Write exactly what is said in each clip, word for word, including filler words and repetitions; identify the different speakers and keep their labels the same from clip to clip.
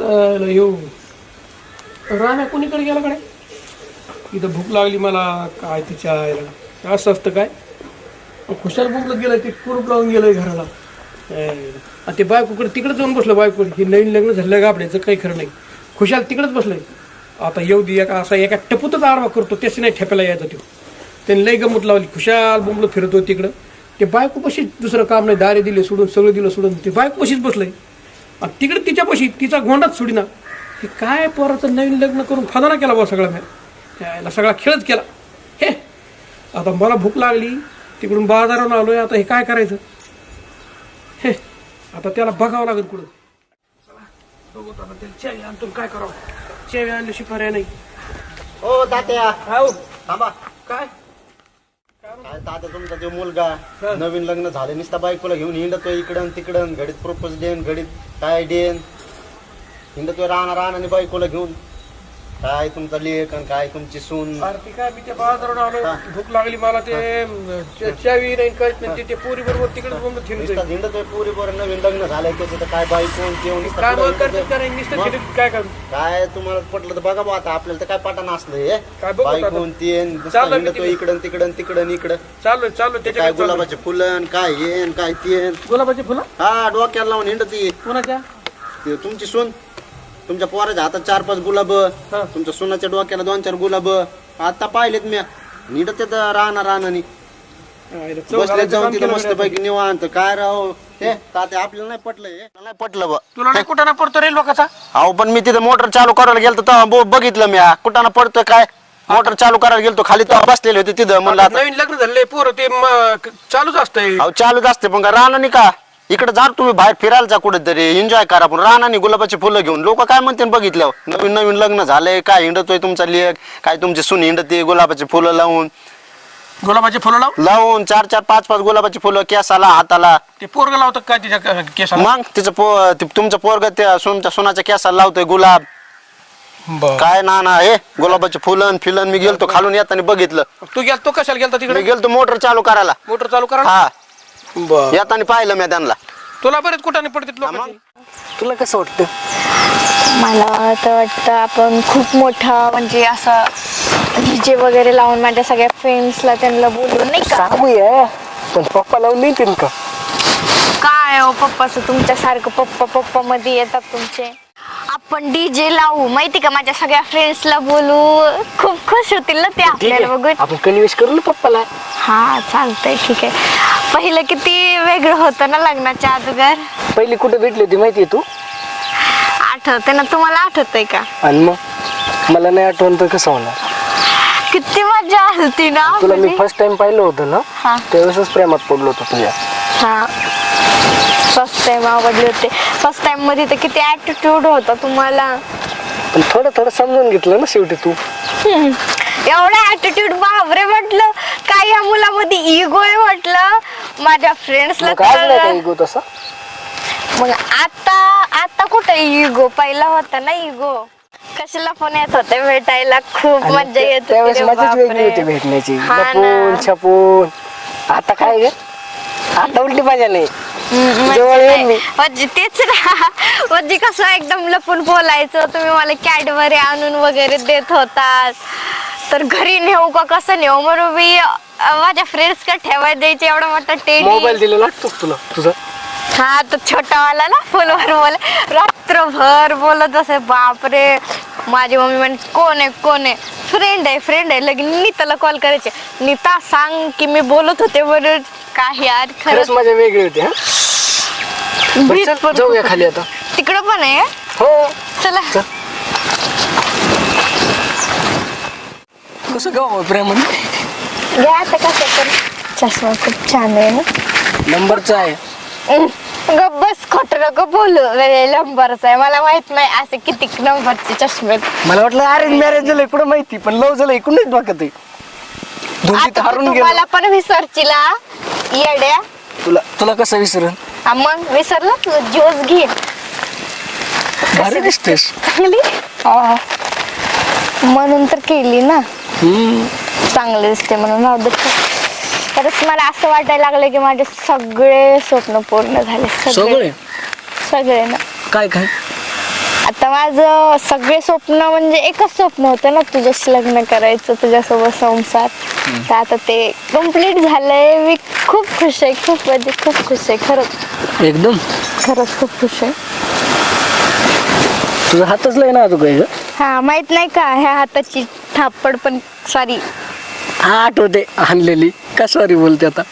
Speaker 1: चल येऊ राम्या कोणीकडे गेला कडे इथं भूक लागली मला काय तिच्या आईला असं असतं काय खुशाल भूकलं गेलं ते कुरूप लावून गेलंय घराला आणि ते बायकोकडे तिकडे जाऊन बसलं बायकोकडे की नवीन लग्न झालं गाबड्याचं काही खरं नाही खुशाल तिकडेच बसलंय आता येऊ दे एका असा एका टपूतच आडवा करतो त्याची नाही ठेपायला यायचं तो त्यांनी लई गंमत लावली खुशाल बोंबलं फिरतो तिकडं ते बायको पशीच दुसरं काम नाही दारे दिले सोडून सगळं दिलं सोडून ते बायको पशीच बसलंय आणि तिकडे तिच्यापाशी तिचा गोंडाच सोडीना हे काय पोराचं नवीन लग्न करून फादाना केला बा सगळा मी यायला सगळा खेळच केला हे आता मला भूक लागली तिकडून बाजारावरून आलोय आता हे काय करायचं हे आता त्याला बघावं लागेल कुठं चेवी आणतो काय करावं चेवी आणल्याशी पर्याय नाही
Speaker 2: ओ तात्या
Speaker 1: हाव
Speaker 2: थांबा
Speaker 1: काय
Speaker 2: काय तात्या तुमचा जो मुलगा नवीन लग्न झाले नुसता बायकोला घेऊन हिंडतोय इकडं तिकडं घडीत प्रपोज देन घडीत काय देन हिंडतोय राहणार राहणार बायकोला घेऊन काय तुमचा लेख आणि काय तुमची सून
Speaker 1: ती काय मी त्या बाजारावरून आलो भूक लागली मला ते चेवी नाही कळत नाही ते पोरी बरोबर तिकडे
Speaker 2: नुसता हिंडतोय पुरी बरोबर नवीन लग्न झालंय त्याचं तर काय बायको
Speaker 1: काय काय करू
Speaker 2: काय तुम्हाला पटलं तर बघा बा आता आपल्याला तर काय पाठाणं असलं
Speaker 1: काय बघू आता.
Speaker 2: बायको तेन हिंडतोय इकडं तिकडं तिकडं इकडं
Speaker 1: चालू चालू
Speaker 2: काय
Speaker 1: त्याच्या
Speaker 2: गुलाबाचे फुलं आणि काय येन काय तेन
Speaker 1: गुलाबाची फुलं
Speaker 2: हा डोक्याला लावून हिंडती
Speaker 1: कोणाच्या
Speaker 2: ते तुमची सून तुमच्या पोराच्या हातात चार पाच गुलाब तुमच्या सुनाच्या डोक्याला दोन चार गुलाब आता पाहिलेत मी नीट ते राहणार राहणार बसले जाऊन तिथं मस्त पैकी निवांत काय राव ते तात्या आपल्याला नाही पटलंय नाही पटलं बा
Speaker 1: तुला नाही कुठं ना पडतो रे लोकांचा
Speaker 2: अहो पण मी तिथे मोटर चालू करायला गेलो तेव्हा बघितलं मी कुठं पडतोय काय मोटर चालू करायला गेलो खाली तेव्हा बसलेले होते तिथं म्हणलं
Speaker 1: नवीन लग्न झाले पोरं ते म- चालूच असतंय
Speaker 2: अहो चालूच असते पण राहणार नाही का इकडे जा तुम्ही बाहेर फिरायला जा कुठेतरी एन्जॉय करा पण राहणार नाही गुलाबाची फुलं घेऊन लोक काय म्हणते बघितलं नवीन नवीन लग्न झालंय काय हिंडतोय तुमचा लेक काय तुमची सून हिंडते गुलाबाची फुलं लावून
Speaker 1: गुलाबाची फुलं लाव
Speaker 2: लावून चार चार पाच पाच गुलाबाची फुलं केसाला हाताला
Speaker 1: ते पोरग लावतं काय तिच्या केसाला
Speaker 2: मग तिचं पो तुमचं पोरग त्या तुमच्या सोनाच्या केसाला लावतोय गुलाब काय ना ना हे गुलाबाचे फुलन फिलन मी गेलतो खालून येताना बघितलं
Speaker 1: तू गेल तो कशाला गेलता
Speaker 2: मी
Speaker 1: तिकडे
Speaker 2: गेलतो मोटर चालू करायला
Speaker 1: मोटर चालू करा
Speaker 2: हा येताना पाहिलं मी त्यांना
Speaker 1: तुला बरेच कुठाने पडते लोक
Speaker 3: तुला कसं वाटतं
Speaker 4: मला तर वाटतं आपण खूप मोठा म्हणजे असं डीजे वगैरे लावून माझ्या सगळ्या फ्रेंड्सला त्यांना बोलून नाही का
Speaker 3: सांगूया पण पप्पा लावून नाही का
Speaker 4: काय हो पप्पाचं तुमच्यासारखं पप्पा पप्पा मध्ये येतात तुमचे आपण डीजे लावू माहिती का माझ्या सगळ्या फ्रेंड्सला बोलू खूप खुश होतील ना ते आपल्याला बघून
Speaker 3: आपण कन्व्हिन्स करू ना पप्पाला
Speaker 4: हा चालतंय ठीक आहे पहिलं किती वेगळं होतं ना लग्नाच्या अगोदर
Speaker 3: पहिली कुठे भेटली होती माहितीये तू
Speaker 4: आठवते ना तुम्हाला आठवतंय का
Speaker 3: आणि मग मला नाही आठवण तर कसं होणार
Speaker 4: किती मजा आलती ना
Speaker 3: तुला मी फर्स्ट टाइम पाहिलं होतं ना
Speaker 4: हा
Speaker 3: त्यावेळेसच प्रेमात पडलो होतो तुझ्या
Speaker 4: हा फर्स्ट टाइम आवडले होते फर्स्ट टाइम मध्ये तर किती ऍटिट्यूड होता तुम्हाला
Speaker 3: पण थोडं थोडं समजून घेतलं ना शेवटी तू
Speaker 4: एवढा ऍटिट्यूड बापरे म्हटलं काय या मुलामध्ये इगो आहे म्हटलं माझ्या फ्रेंड्सला
Speaker 3: काय इगो तसा
Speaker 4: मग आता आता कुठे इगो पहिला होता ना इगो कशाला पण येत होते भेटायला खूप मजा येत
Speaker 3: त्यावेळेस मजाच वेगळी होती भेटण्याची लपून छपून आता काय ग आता उलटी मजा नाही
Speaker 4: तेच ना म्हणजे कसं एकदम लपून बोलायचं तुम्ही मला कॅडबरी आणून वगैरे देत होतात तर घरी नेऊ का कसं नेऊ म्हणून मी माझ्या फ्रेंड्स का ठेवायला द्यायचे एवढा मोठा टेडी
Speaker 3: मोबाईल दिलेला लागतो तुला तुझा
Speaker 4: हा तो छोटावाला ना फोनवर बोल रात्रभर बोलत असे बापरे माझी मम्मी म्हणे कोण आहे कोण आहे फ्रेंड आहे फ्रेंड आहे लगेच नीताला कॉल करायचे नीता सांग की मी बोलत होते म्हणून काय यार
Speaker 3: खरंच मजा वेगळी होती हा जाऊया खाली आता
Speaker 4: तिकडं पण आहे
Speaker 3: हो
Speaker 4: चला
Speaker 3: कसं गाव प्रेम
Speaker 4: घ्या आता कसं तर चष्मा खूप छान आहे ना
Speaker 3: नंबरचा आहे
Speaker 4: ग बस खोट नको बोलू नंबरचा आहे मला माहित नाही असे किती नंबरचे चष्मे
Speaker 3: मला वाटलं अरेंज मॅरेज झालं इकडं माहिती पण लव झालं इकडून नाही डोक्यात आहे दोन्ही हरून गेलो
Speaker 4: मला पण विसरचिला येड्या
Speaker 3: तुला तुला कसं विसरून
Speaker 4: मग विसरलं तू ज्यूस घे
Speaker 3: भारी दिसतेस
Speaker 4: चांगली म्हणून तर केली ना चांगले दिसते म्हणून राहू दे तरच मला असं वाटायला लागलं की माझे सगळे स्वप्न पूर्ण झाले सगळे
Speaker 3: सगळे
Speaker 4: सगळे ना
Speaker 3: काय काय
Speaker 4: आता आता माझं सगळे स्वप्न म्हणजे एकच स्वप्न होतं ना, तुझ्याशी लग्न करायचं, तुझ्यासोबत संसार. तर आता ते कम्प्लीट झालंय. मी खूप खुश आहे, खूप म्हणजे खूप खुश आहे खरंच,
Speaker 3: एकदम
Speaker 4: खरंच खूप खुश आहे.
Speaker 3: तुझा हातच लय ना तुझं ग.
Speaker 4: हा माहित नाही का, ह्या हाताची थापड पण सॉरी
Speaker 3: हा आठवते आणलेली का सॉरी बोलते आता.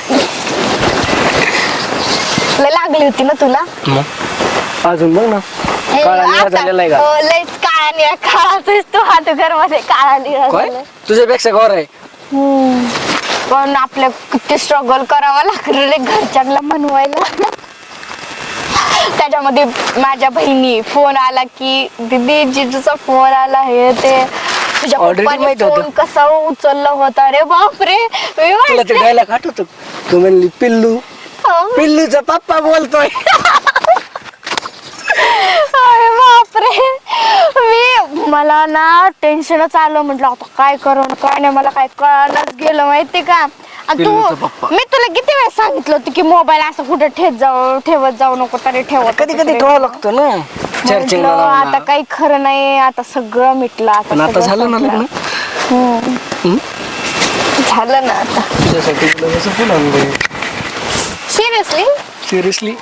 Speaker 4: लय लागली होती ना तुला.
Speaker 3: अजून बघ ना
Speaker 4: हे
Speaker 3: काळा निळा
Speaker 4: आता-
Speaker 3: झालेला आहे का?
Speaker 4: हो, लयच काळा निळा. काळाच तू हात घर मध्ये काळा निळा
Speaker 3: काय
Speaker 4: झालाय.
Speaker 3: तुझ्यापेक्षा गौर आहे.
Speaker 4: हम्म. पण आपल्या किती स्ट्रगल करावं लागलं रे घरच्यांना म्हणवायला. त्याच्यामध्ये माझ्या बहिणी फोन आला की दीदी जिजूचा फोन आला, हे ते तुझ्या
Speaker 3: Already
Speaker 4: पप्पाने
Speaker 3: माहित होतं.
Speaker 4: फोन कसा उचलला होता रे बापरे. मी
Speaker 3: तुला ते
Speaker 4: म्हटलं,
Speaker 3: डायलॉग आठवतो. तू म्हणली पिल्लू
Speaker 4: "हो,
Speaker 3: पिल्लूचा पप्पा बोलतोय.
Speaker 4: अरे बापरे. मी मला ना टेन्शनच आलं. म्हटलं आता काय करू काय नाही, मला काय कळायलाच गेलं माहिती का. आणि तू
Speaker 3: पिल्लूचा पप्पा.
Speaker 4: मी तुला किती वेळ सांगितलं होतं की मोबाईल असं कुठे ठेत जाऊ ठेवत जाऊ नको, तरी ठेवत
Speaker 3: कधी कधी ठेवावं लागतो ना चार्जिंग
Speaker 4: म्हटलं, आता काही खरं नाही. आता सगळं मिटलं.
Speaker 3: पण आता
Speaker 4: सगळं
Speaker 3: झालं ना
Speaker 4: संपलं.
Speaker 3: लग्न.
Speaker 4: हम्म.
Speaker 3: हम्म?
Speaker 4: झालं ना आता.
Speaker 3: तुझ्यासाठी तुला कसं फुल आणलंय
Speaker 4: सिरियसली.
Speaker 3: सिरियसली.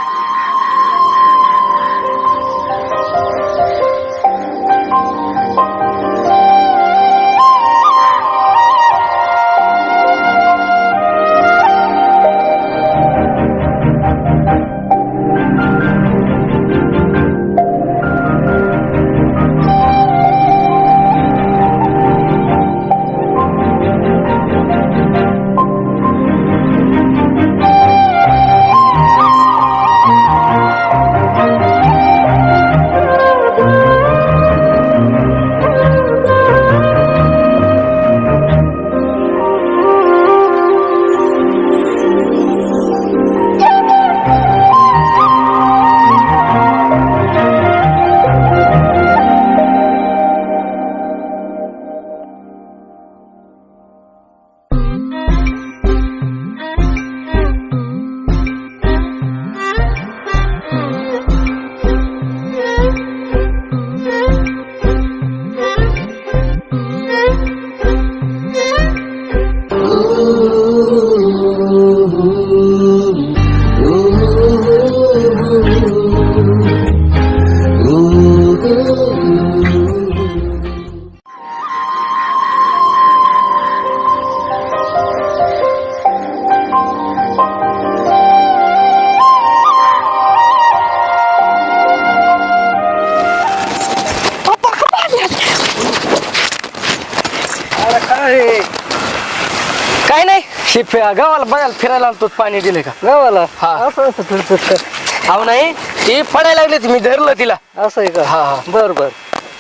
Speaker 3: काय काय नाही हे फि- गावाला बघायला फिरायला आलतो. पाणी दिले का गावाला? हा असं असं फिरतो का? अहो नाही ती पडायला लागली मी धरलं तिला. असं आहे का? हा हा बर बर.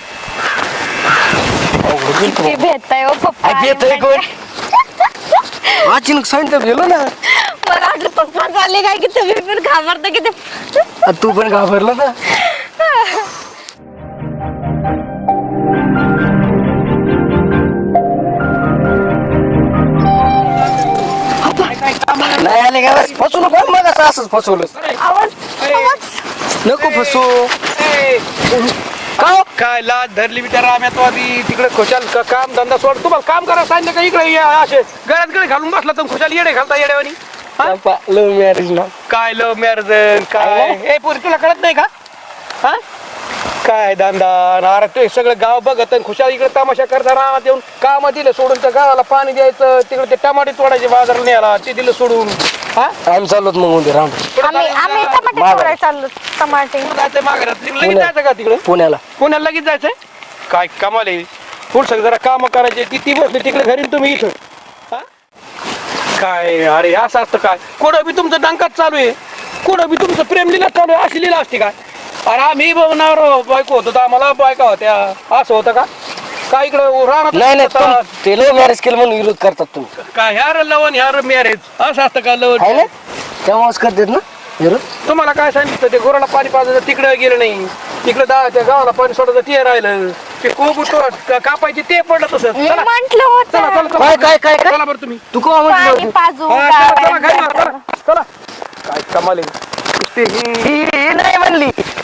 Speaker 4: किती भेटताय हो पप्पा.
Speaker 3: येतोय कोण अचानक सांगितलं गेलो ना.
Speaker 4: मला वाटलं पप्पा चालले काय की तुम्ही पण घाबरता की ते.
Speaker 3: आ, तू पण घाबरला ना. नाही आले का बस फसू नको मग असं असंच फसवलं.
Speaker 4: आवाज आवाज
Speaker 3: नको फसू.
Speaker 1: का हो? काय लाज धरली मी त्या राम्यात आधी तिकडे खुशाल का- काम धंदा सोड. तुम्हाला काम करा सांगितलं का इकडे या असे गळ्यात गळे घालून बसला तर खुशाल येडे घालता येड्यावानी.
Speaker 3: लव्ह मॅरेज ना.
Speaker 1: काय लव मॅरेज काय ए पोरी तुला कळत नाही का? हा काय धंदा अरे ते सगळं गाव बघत आणि खुशाल इकडे तमाशा करता रामात येऊन काम दिलं सोडून त्या गावाला पाणी द्यायचं, तिकडे ते टमाटे तोडायचे बाजाराला न्यायला ते दिलं सोडून. हा
Speaker 3: आम्ही चाललोत मग उद्या राम
Speaker 4: आम्ही आम्ही टमाटे
Speaker 3: मागं.
Speaker 4: तोडायला चाललो. टमाटे
Speaker 1: जायचंय माघारात लगेच जायचं का तिकडे
Speaker 3: पुण्याला.
Speaker 1: पुण्याला लगेच जायचंय. काय कमाल आहे पुढचं जरा काम करायचे ती ती बसली तिकडे घरी आणि तुम्ही इथं. हा? काय अरे असं असतं काय? कुठं बी तुमचं डंकाच चालू आहे, कुठं बी तुमचं प्रेम लिला चालू आहे. अशी लिला असते काय? अरे आम्ही बघणार बायको होतो तर आम्हाला बायका होत्या असं होतं का? काय इकडं
Speaker 3: नाही नाही
Speaker 1: राहणार
Speaker 3: तुम- ते लव्ह मॅरेज केलं म्हणून विरोध करतात तुम्ही.
Speaker 1: काय ह्यार लवण ह्यार मॅरेज असं असतं का
Speaker 3: आहे ना
Speaker 1: लवण?
Speaker 3: तेव्हाच करतात ना विरोध.
Speaker 1: तुम्हाला काय सांगितलं ते गोराला पाणी पाजायचं तिकडे गेलं नाही, तिकडे दा त्या गावाला पाणी सोडायचं ते राहिलं, ते कोबू तो कापायचे ते पडलं तसं.
Speaker 4: मी
Speaker 1: चला
Speaker 4: म्हंटल
Speaker 1: चला
Speaker 4: होतं
Speaker 1: चला चला.
Speaker 3: काय काय काय काय
Speaker 1: चला बरं तुम्ही.
Speaker 3: तू का
Speaker 4: पाणी
Speaker 3: म्हटलं
Speaker 4: पाजू
Speaker 1: हा, चला, चला, घरी
Speaker 4: काय.
Speaker 1: मार, चला, चला. काय कमाल आहे. नुसते हे-
Speaker 3: ही ही नाही म्हणली